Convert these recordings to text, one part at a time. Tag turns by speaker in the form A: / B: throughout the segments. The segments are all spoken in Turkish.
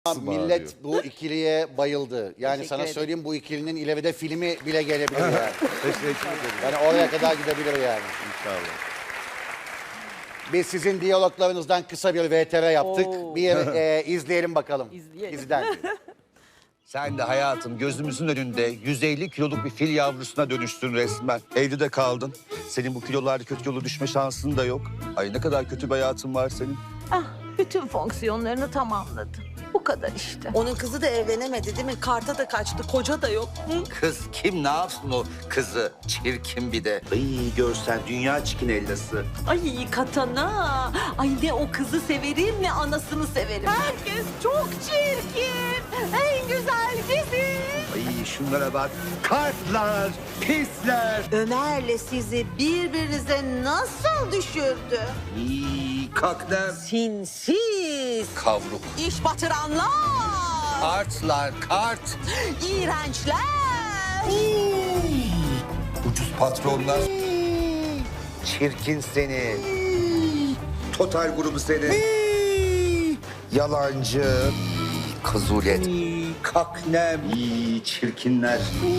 A: Millet bu ikiliye bayıldı. Yani
B: Teşekkür
A: sana
B: ederim.
A: söyleyeyim, bu ikilinin ileride filmi bile gelebilir yani.
C: Teşekkür ederim.
A: Yani oraya kadar gidebilir yani.
C: İnşallah.
A: Biz sizin diyaloglarınızdan kısa bir VTR yaptık.
B: Oo.
A: Bir izleyelim bakalım.
B: İzleyelim.
A: İzden.
C: Sen de hayatım gözümüzün önünde 150 kiloluk bir fil yavrusuna dönüştün resmen. Evde de kaldın. Senin bu kilolarda kötü yola düşme şansın da yok. Ay ne kadar kötü bir hayatın var senin.
D: Ah, bütün fonksiyonlarını tamamladı. Bu kadar işte.
B: Onun kızı da evlenemedi değil mi? Karta da kaçtı, koca da yok. Hı?
E: Kız kim ne yapsın o kızı? Çirkin bir de. Ay görsen dünya çikin ellası.
D: Ay katana. Ay ne o kızı severim ne anasını severim. Herkes çok çirkin. En güzel bizim.
E: Ay şunlara bak. Kartlar, pisler.
B: Ömer'le sizi birbirinize nasıl düşürdü?
E: İyi kaknem.
B: Sinsiz,
E: Kavruk.
B: iş batıranlar,
E: Kartlar, kart.
B: iğrençler.
E: Ucuz patronlar. Çirkin seni. Total grubu seni. Yalancı. Kazulet. Kaknem. Çirkinler.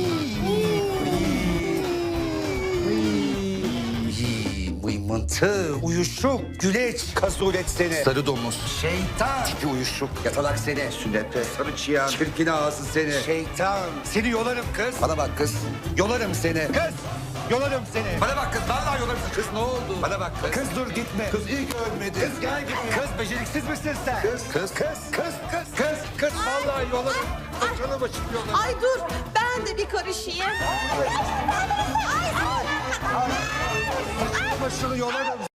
E: Mıymıntı, uyuşuk, güleç, kazulet seni. Sarı domuz. Şeytan. Tipi uyuşuk, yatalak seni. Sünepe, sarı çıyan, çirkin ağzı seni. Şeytan. Seni yolarım kız. Bana bak kız. Yolarım seni. Kız. Yolarım seni. Bana bak kız. Vallahi yolarım seni. Kız ne oldu? Bana bak kız. Kız dur gitme. Kız iyi ki ölmedi. Kız gel gitme. Kız beceriksiz misin sen? Kız. Vallahi yolarım. Saçını başını yolarım.
B: Ay dur, ben de bir karışayım.
E: Başını yolarım.